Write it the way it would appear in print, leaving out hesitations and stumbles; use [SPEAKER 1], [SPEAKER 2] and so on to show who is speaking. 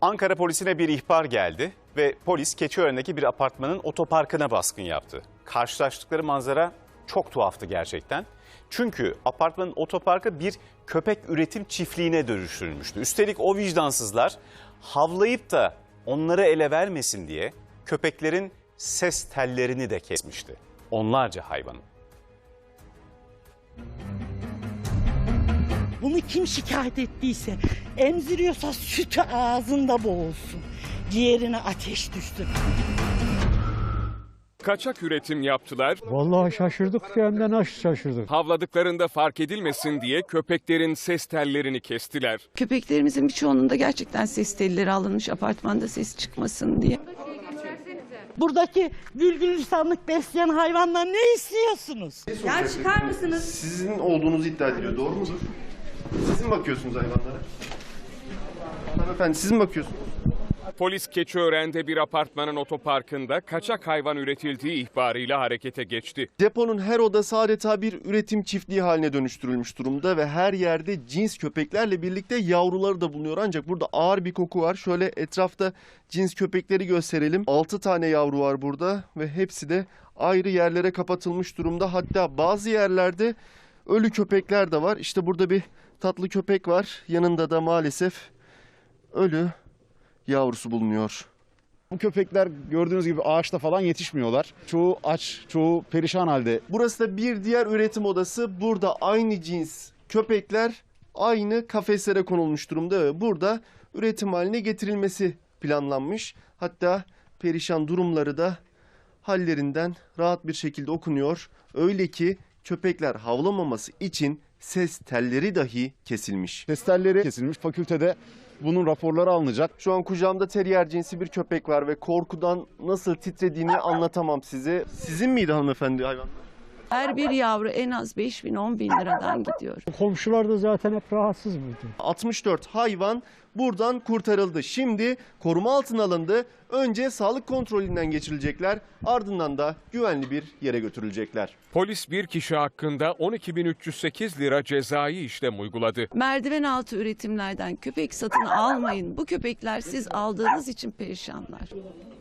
[SPEAKER 1] Ankara polisine bir ihbar geldi ve polis Keçiören'deki bir apartmanın otoparkına baskın yaptı. Karşılaştıkları manzara çok tuhaftı gerçekten. Çünkü apartmanın otoparkı bir köpek üretim çiftliğine dönüştürülmüştü. Üstelik o vicdansızlar havlayıp da onları ele vermesin diye köpeklerin ses tellerini de kesmişti. Onlarca hayvanın.
[SPEAKER 2] Bunu kim şikayet ettiyse, emziriyorsa sütü ağzında boğulsun. Ciğerine ateş düştü.
[SPEAKER 3] Kaçak üretim yaptılar.
[SPEAKER 4] Vallahi şaşırdık, hem de nasıl şaşırdık.
[SPEAKER 3] Havladıklarında fark edilmesin diye köpeklerin ses tellerini kestiler.
[SPEAKER 5] Köpeklerimizin birçoğunun da gerçekten ses telleri alınmış apartmanda ses çıkmasın diye.
[SPEAKER 2] Buradaki gülgülistanlık besleyen hayvandan ne istiyorsunuz?
[SPEAKER 6] Ya çıkar mısınız?
[SPEAKER 7] Sizin olduğunuzu iddia ediliyor. Doğru mudur? Siz mi bakıyorsunuz hayvanlara? Hanımefendi siz mi bakıyorsunuz?
[SPEAKER 3] Polis Keçiören'de bir apartmanın otoparkında kaçak hayvan üretildiği ihbarıyla harekete geçti.
[SPEAKER 7] Deponun her odası adeta bir üretim çiftliği haline dönüştürülmüş durumda ve her yerde cins köpeklerle birlikte yavruları da bulunuyor. Ancak burada ağır bir koku var. Şöyle etrafta cins köpekleri gösterelim. 6 tane yavru var burada ve hepsi de ayrı yerlere kapatılmış durumda. Hatta bazı yerlerde ölü köpekler de var. İşte burada bir tatlı köpek var. Yanında da maalesef ölü yavrusu bulunuyor.
[SPEAKER 8] Bu köpekler gördüğünüz gibi ağaçta falan yetişmiyorlar. Çoğu aç, çoğu perişan halde.
[SPEAKER 7] Burası da bir diğer üretim odası. Burada aynı cins köpekler aynı kafeslere konulmuş durumda ve burada üretim haline getirilmesi planlanmış. Hatta perişan durumları da hallerinden rahat bir şekilde okunuyor. Öyle ki köpekler havlamaması için ses telleri dahi kesilmiş.
[SPEAKER 8] Ses telleri kesilmiş. Fakültede bunun raporları alınacak.
[SPEAKER 7] Şu an kucağımda terrier cinsi bir köpek var ve korkudan nasıl titrediğini anlatamam size. Sizin miydi hanımefendi hayvan?
[SPEAKER 5] Her bir yavru en az 5.000-10.000 liradan gidiyor.
[SPEAKER 4] Komşular da zaten hep rahatsız mıydı?
[SPEAKER 7] 64 hayvan buradan kurtarıldı. Şimdi koruma altına alındı. Önce sağlık kontrolünden geçirilecekler. Ardından da güvenli bir yere götürülecekler.
[SPEAKER 3] Polis bir kişi hakkında 12.308 lira cezai işlem uyguladı.
[SPEAKER 5] Merdiven altı üretimlerden köpek satın almayın. Bu köpekler siz aldığınız için perişanlar.